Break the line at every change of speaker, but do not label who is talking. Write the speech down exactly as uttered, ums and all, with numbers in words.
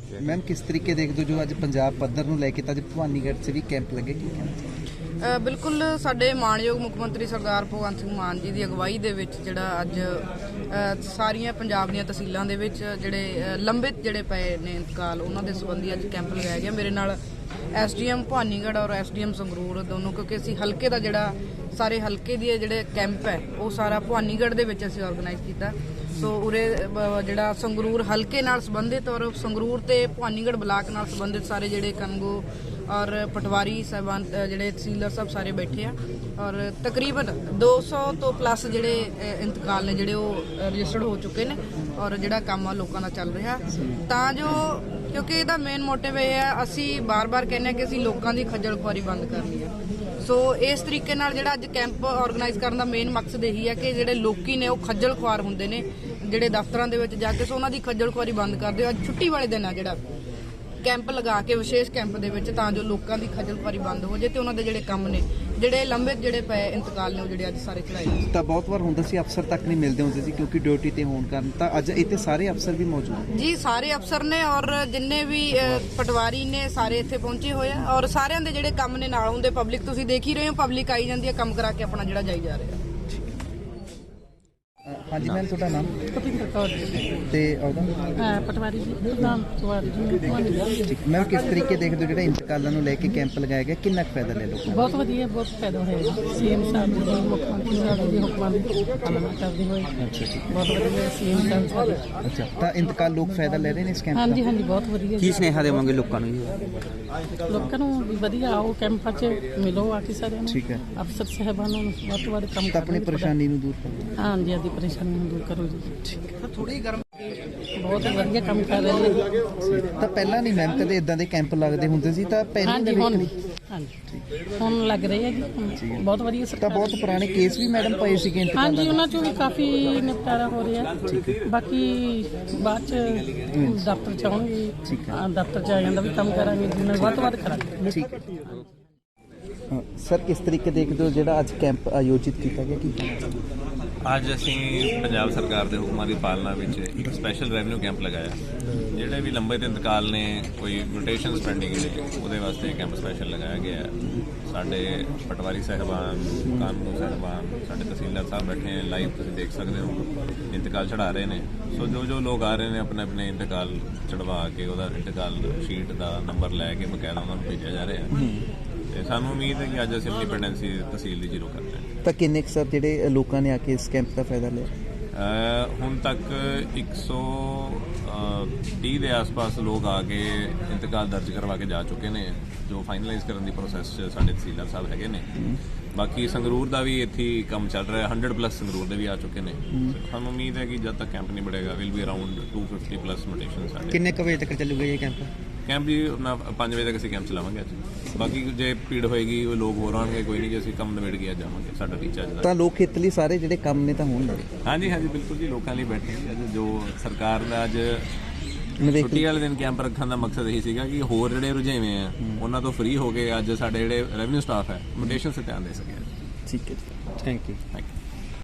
Ma'am किस तरीके देखते हो जो अज पंजाब पद्धर नूं लैके अज भवानीगढ़ से भी कैंप लगे की कहना
ਅ, ਬਿਲਕੁਲ ਸਾਡੇ ਮਾਣਯੋਗ ਮੁੱਖ ਮੰਤਰੀ ਸਰਦਾਰ ਭਗਵੰਤ ਸਿੰਘ ਮਾਨ ਜੀ ਦੀ ਅਗਵਾਈ ਦੇ ਵਿੱਚ ਜਿਹੜਾ ਅੱਜ ਅ, ਸਾਰੀਆਂ ਪੰਜਾਬ ਦੀਆਂ ਤਹਿਸੀਲਾਂ ਦੇ ਵਿੱਚ ਜਿਹੜੇ ਅ, ਲੰਬਿਤ ਜਿਹੜੇ ਪਏ ਨੇ ਇੰਤਕਾਲ ਉਹਨਾਂ ਦੇ ਸੰਬੰਧੀ ਅੱਜ ਕੈਂਪ ਲਗਾਇਆ ਗਿਆ। ਮੇਰੇ ਨਾਲ ਐਸਡੀਐਮ ਭਵਾਨੀਗੜ੍ਹ ਔਰ ਐਸਡੀਐਮ ਸੰਗਰੂਰ ਦੋਨੋਂ, ਕਿਉਂਕਿ ਅਸੀਂ ਹਲਕੇ ਦਾ ਜਿਹੜਾ ਸਾਰੇ ਹਲਕੇ ਦੀ ਜਿਹੜੇ ਕੈਂਪ ਹੈ ਉਹ ਸਾਰਾ ਭਵਾਨੀਗੜ੍ਹ ਦੇ ਵਿੱਚ ਅਸੀਂ ਆਰਗੇਨਾਈਜ਼ ਕੀਤਾ। ਸੋ ਉਰੇ ਬ- ਜਿਹੜਾ ਸੰਗਰੂਰ ਹਲਕੇ ਨਾਲ ਸੰਬੰਧਿਤ ਔਰ ਸੰਗਰੂਰ ਤੇ ਭਵਾਨੀਗੜ੍ਹ ਬਲਾਕ ਨਾਲ ਸੰਬੰਧਿਤ ਸਾਰੇ ਜਿਹੜੇ ਕਨਗੋ ਔਰ ਪਟਵਾਰੀ ਸਾਹਿਬਾਨ ਅ, ਜਿਹੜੇ ਤਹਿਸੀਲਦਾਰ ਸਾਹਿਬ ਸਾਰੇ ਬੈਠੇ ਆ ਔਰ ਤਕਰੀਬਨ ਦੋ ਸੌ ਤੋਂ ਪਲੱਸ ਜਿਹੜੇ ਅ, ਇੰਤਕਾਲ ਨੇ ਜਿਹੜੇ ਉਹ ਰਜਿਸਟਰਡ ਹੋ ਚੁੱਕੇ ਨੇ ਔਰ ਜਿਹੜਾ ਕੰਮ ਆ ਲੋਕਾਂ ਦਾ ਚੱਲ ਰਿਹਾ ਤਾਂ ਜੋ, ਕਿਉਂਕਿ ਇਹਦਾ ਮੇਨ ਮੋਟਿਵ ਇਹ ਹੈ, ਅਸੀਂ ਬਾਰ-ਬਾਰ ਕਹਿੰਦੇ ਹਾਂ ਕਿ ਅਸੀਂ ਲੋਕਾਂ ਦੀ ਖੱਜਲ ਖੁਆਰੀ ਬੰਦ ਕਰਨੀ ਹੈ। ਸੋ ਇਸ ਤਰੀਕੇ ਨਾਲ ਜਿਹੜਾ ਅੱਜ ਕੈਂਪ ਆਰਗੇਨਾਈਜ਼ ਕਰਨ ਦਾ ਮੇਨ ਮਕਸਦ ਇਹੀ ਹੈ ਕਿ ਜਿਹੜੇ ਲੋਕੀ ਨੇ ਉਹ ਖੱਜਲ ਖੁਆਰ ਹੁੰਦੇ ਨੇ ਜਿਹੜੇ ਦਫ਼ਤਰਾਂ ਦੇ ਵਿੱਚ ਜਾ ਕੇ, ਸੋ ਉਹਨਾਂ ਦੀ ਖੱਜਲ ਖੁਆਰੀ ਬੰਦ ਕਰਦੇ ਹੋ। ਅੱਜ ਛੁੱਟੀ ਵਾਲੇ ਦਿਨ ਆ ਜਿਹੜਾ ਕੈਂਪ ਲਗਾ ਕੇ ਵਿਸ਼ੇਸ਼ ਕੈਂਪ ਦੇ ਵਿੱਚ ਤਾਂ ਜੋ ਲੋਕਾਂ ਦੀ ਖੱਜਲ ਖੁਆਰੀ ਬੰਦ ਹੋ ਜੇ ਤੇ ਉਹਨਾਂ ਦੇ ਜਿਹੜੇ ਕੰਮ ਨੇ ਜਿਹੜੇ ਲੰਬੇ ਜਿਹੜੇ ਪਏ ਇੰਤਕਾਲ ਨੇ ਉਹ ਜਿਹੜੇ ਅੱਜ ਸਾਰੇ ਚਲਾਏ ਨੇ।
ਤਾਂ ਬਹੁਤ ਵਾਰ ਹੁੰਦਾ ਸੀ ਅਫਸਰ ਤੱਕ ਨਹੀਂ ਮਿਲਦੇ ਹੁੰਦੇ ਸੀ ਕਿਉਂਕਿ ਡਿਊਟੀ ਤੇ ਹੋਣ ਕਾਰਨ, ਤਾਂ ਅੱਜ ਇੱਥੇ ਸਾਰੇ ਅਫਸਰ ਵੀ ਮੌਜੂਦ
ਜੀ ਸਾਰੇ ਅਫਸਰ ਨੇ ਔਰ ਜਿੰਨੇ ਵੀ ਅ, ਪਟਵਾਰੀ ਨੇ ਸਾਰੇ ਇੱਥੇ ਪਹੁੰਚੇ ਹੋਏ ਆ ਔਰ ਸਾਰਿਆਂ ਦੇ ਜਿਹੜੇ ਕੰਮ ਨੇ ਨਾਲ ਹੁੰਦੇ। ਪਬਲਿਕ ਤੁਸੀਂ ਦੇਖ ਹੀ ਰਹੇ ਹੋ, ਪਬਲਿਕ ਆਈ ਜਾਂਦੀ ਹੈ ਕੰਮ ਕਰਾ ਕੇ ਆਪਣਾ ਜਿਹੜਾ ਜਾਈ ਜਾ ਰਿਹਾ।
हाँ जी मैम ਤੁਹਾਡਾ ਨਾਮ
ਭੁਪਿੰਦਰ ਕੌਰ
ਤੇ ਉਹਦਾ
ਅਹ ਪਟਵਾਰੀ ਜੀ ਪ੍ਰਧਾਨ ਪਟਵਾਰੀ ਜੀ।
ਠੀਕ ਮੈਮ ਕਿਸ ਤਰੀਕੇ ਦੇਖਦੇ ਹੋ ਜਿਹੜਾ ਇੰਤਕਾਲਾਂ ਨੂੰ ਲੈ ਕੇ ਕੈਂਪ ਲਗਾਇਆ ਗਿਆ, ਕਿੰਨਾ ਕੁ ਫਾਇਦਾ ਲੈ ਲੋਕਾਂ
ਬਹੁਤ ਵਧੀਆ, ਬਹੁਤ ਫਾਇਦਾ ਹੋਇਆ। ਸੀਐਮ ਸਾਹਿਬ ਜੀ ਮੁੱਖ ਮੰਤਰੀ ਸਾਹਿਬ ਦੇ ਹੁਕਮਾਂ ਦੀ ਪਾਲਣਾ ਕਰਦੇ ਹੋਏ ਬਹੁਤ ਵਧੀਆ ਸੀਐਮ ਸਾਹਿਬ ਸਾਡੇ।
ਅੱਛਾ, ਤਾਂ ਇੰਤਕਾਲ ਲੋਕ ਫਾਇਦਾ ਲੈ ਰਹੇ ਨੇ ਇਸ ਕੈਂਪ ਦਾ?
ਹਾਂਜੀ ਹਾਂਜੀ ਬਹੁਤ ਵਧੀਆ।
ਕੀ ਸੁਨੇਹਾ ਦੇਵਾਂਗੇ ਲੋਕਾਂ ਨੂੰ ਜੀ?
ਲੋਕਾਂ ਨੂੰ ਵੀ ਵਧੀਆ ਆਓ ਕੈਂਪਾਂ 'ਚ ਮਿਲੋ ਆ ਕੇ ਸਾਰਿਆਂ ਨੂੰ।
ਠੀਕ ਹੈ।
ਅਫਸਰ ਸਾਹਿਬਾਨਾਂ ਨੂੰ ਵੱਧ ਤੋਂ ਵੱਧ ਕੰਮ
ਤਾਂ ਆਪਣੀ
ਕਰੋ।
ਪਰੇਸ਼ਾਨੀ ਨੂੰ ਦੂਰ ਕਰੋ।
ਹਾਂਜੀ ਆਦੀ ਪਰੇਸ਼ਾਨੀ ਨੂੰ ਦੂਰ ਕਰੋ ਜੀ। ਥੋੜੀ ਗਰਮ ਬਹੁਤ ਵਧੀਆ ਕੰਮ ਕਰ ਰਹੇ ਨੇ।
ਤਾਂ ਪਹਿਲਾਂ ਨਹੀਂ ਮੈਮ ਕਦੇ ਇਦਾਂ ਦੇ ਕੈਂਪ ਲੱਗਦੇ ਹੁੰਦੇ ਸੀ, ਤਾਂ ਪਹਿਲਾਂ
ਹਾਂਜੀ
ਦੇ
ਹੁਣ
ਵਿੱਚ
ਹਾਂਜੀ ਹੁਣ ਲੱਗ ਰਹੇ ਆ ਜੀ ਹੁਣ ਬਹੁਤ ਵਧੀਆ
ਤਾਂ
ਸਰਕਾਰ।
ਬਹੁਤ ਪੁਰਾਣੇ ਕੇਸ ਵੀ ਮੈਡਮ ਪਏ ਸੀਗੇ ਇੰਤਕਾਲਾਂ
ਹਾਂਜੀ
ਦੇ।
ਉਹਨਾਂ ਚੋਂ ਵੀ ਕਾਫੀ ਨਿਪਟਾਰਾ ਹੋ ਰਿਹਾ। ਬਾਕੀ ਬਾਅਦ ਚ ਦਫ਼ਤਰ ਚ ਆਉਣਗੇ, ਹਾਂ, ਦਫ਼ਤਰ ਚ ਆ ਜਾਂਦਾ ਵੀ ਕੰਮ ਕਰਾਂਗੇ ਜਿੰਨਾ ਵੱਧ ਤੋਂ ਵੱਧ ਕਰਾਂਗੇ।
ਠੀਕ ਹੈ। ਹਾਂ, ਸਰ ਕਿਸ ਤਰੀਕੇ ਦੇਖਦੇ ਹੋ ਜਿਹੜਾ ਅੱਜ ਕੈਂਪ ਆਯੋਜਿਤ ਕੀਤਾ ਗਿਆ, ਕੀ ਕਹਿਣਾ ਚਾਹੁੰਦੇ ਹੋ?
ਅੱਜ ਅਸੀਂ ਪੰਜਾਬ ਸਰਕਾਰ ਦੇ ਹੁਕਮਾਂ ਦੀ ਪਾਲਣਾ ਵਿੱਚ ਇੱਕ ਸਪੈਸ਼ਲ ਰੈਵਨਿਊ ਕੈਂਪ ਲਗਾਇਆ। ਜਿਹੜੇ ਵੀ ਲੰਬੇ ਤੇ ਇੰਤਕਾਲ ਨੇ, ਕੋਈ ਰੋਟੇਸ਼ਨਸ ਪੈਂਡਿੰਗ ਨੇ, ਉਹਦੇ ਵਾਸਤੇ ਕੈਂਪ ਸਪੈਸ਼ਲ ਲਗਾਇਆ ਗਿਆ ਹੈ। ਸਾਡੇ ਪਟਵਾਰੀ ਸਾਹਿਬਾਨ, ਕਾਨੂੰਨ ਸਾਹਿਬਾਨ, ਸਾਡੇ ਤਹਿਸੀਲਦਾਰ ਸਾਹਿਬ ਬੈਠੇ ਨੇ, ਲਾਈਵ ਤੁਸੀਂ ਦੇਖ ਸਕਦੇ ਹੋ ਇੰਤਕਾਲ ਚੜਾ ਰਹੇ ਨੇ। ਸੋ ਜੋ ਜੋ ਲੋਕ ਆ ਰਹੇ ਨੇ ਆਪਣੇ ਆਪਣੇ ਇੰਤਕਾਲ ਚੜਵਾ ਕੇ ਉਹਦਾ ਇੰਤਕਾਲ ਸ਼ੀਟ ਦਾ ਨੰਬਰ ਲੈ ਕੇ ਬਕਾਇਦਾ ਉਹਨਾਂ ਨੂੰ ਭੇਜਿਆ ਜਾ ਰਿਹਾ ਹੈ। ਤੇ ਸਾਨੂੰ ਉਮੀਦ ਹੈ ਕਿ ਅੱਜ ਅਸੀਂ ਆਪਣੀ ਪੈਂਡੈਂਸੀ ਤਹਿਸੀਲ ਦੀ ਜ਼ੀਰੋ ਕਰ ਰਹੇ ਹਾਂ।
ਤਾਂ ਕਿੰਨੇ ਕੁ ਸਰ ਜਿਹੜੇ ਲੋਕਾਂ ਨੇ ਆ ਕੇ ਇਸ ਕੈਂਪ ਦਾ ਫਾਇਦਾ ਲਿਆ?
ਅ, ਹੁਣ ਤੱਕ ਇੱਕ ਸੌ ਤੀਹ ਦੇ ਆਸ-ਪਾਸ ਲੋਕ ਆ ਕੇ ਇੰਤਕਾਲ ਦਰਜ ਕਰਵਾ ਕੇ ਜਾ ਚੁੱਕੇ ਨੇ, ਜੋ ਫਾਈਨਲਾਈਜ਼ ਕਰਨ ਦੀ ਪ੍ਰੋਸੈਸ 'ਚ ਸਾਡੇ ਤਹਿਸੀਲਦਾਰ ਸਾਹਿਬ ਹੈਗੇ ਨੇ। ਬਾਕੀ ਸੰਗਰੂਰ ਦਾ ਵੀ ਇੱਥੇ ਹੀ ਕੰਮ ਚੱਲ ਰਿਹਾ, ਹੰਡਰਡ ਪਲੱਸ ਸੰਗਰੂਰ ਦੇ ਵੀ ਆ ਚੁੱਕੇ ਨੇ। ਸਾਨੂੰ ਉਮੀਦ ਹੈ ਕਿ ਜਦ ਤੱਕ ਕੈਂਪ ਨਹੀਂ ਬੜੇਗਾ will be around two fifty plus notation ਸਾਡੇ।
ਕਿੰਨੇ ਕੁ ਵਜੇ ਤੱਕ ਚੱਲੂਗਾ ਇਹ ਕੈਂਪ?
ਕੈਂਪ ਜੀ ਆਪਣਾ ਪੰਜ ਵਜੇ ਤੱਕ ਅਸੀਂ ਕੈਂਪ ਚਲਾਵਾਂਗੇ ਅੱਜ। ਬਾਕੀ ਜੇ ਭੀੜ ਹੋਏਗੀ ਉਹ ਲੋਕ ਹੋਰ ਆਉਣਗੇ, ਕੋਈ ਨਹੀਂ, ਜੇ ਅਸੀਂ ਕੰਮ ਨਿਬੇੜ ਕੇ ਅੱਜ ਜਾਵਾਂਗੇ। ਸਾਡਾ ਟੀਚਾ ਅੱਜ ਦਾ।
ਤਾਂ ਲੋਕ ਹਿੱਤ ਲਈ ਸਾਰੇ ਜਿਹੜੇ ਕੰਮ ਨੇ ਤਾਂ ਹੋਣਗੇ।
ਹਾਂਜੀ ਹਾਂਜੀ ਬਿਲਕੁਲ ਜੀ, ਲੋਕਾਂ ਲਈ ਬੈਠੇ ਜੀ। ਅੱਜ ਜੋ ਸਰਕਾਰ ਦਾ ਅੱਜ
ਨਿਵੇਕ
ਛੁੱਟੀ ਵਾਲੇ ਦਿਨ ਕੈਂਪ ਰੱਖਣ ਦਾ ਮਕਸਦ ਇਹੀ ਸੀਗਾ ਕਿ ਹੋਰ ਜਿਹੜੇ ਰੁਝੇਵੇਂ ਆ ਉਹਨਾਂ ਤੋਂ ਫ੍ਰੀ ਹੋ ਕੇ ਅੱਜ ਸਾਡੇ ਜਿਹੜੇ ਰੈਵਨਿਊ ਸਟਾਫ ਹੈ ਮੋਟੇਸ਼ਨ 'ਤੇ ਧਿਆਨ ਦੇ ਸਕੇ।
ਠੀਕ ਹੈ ਜੀ, ਥੈਂਕ ਯੂ।
Thank you.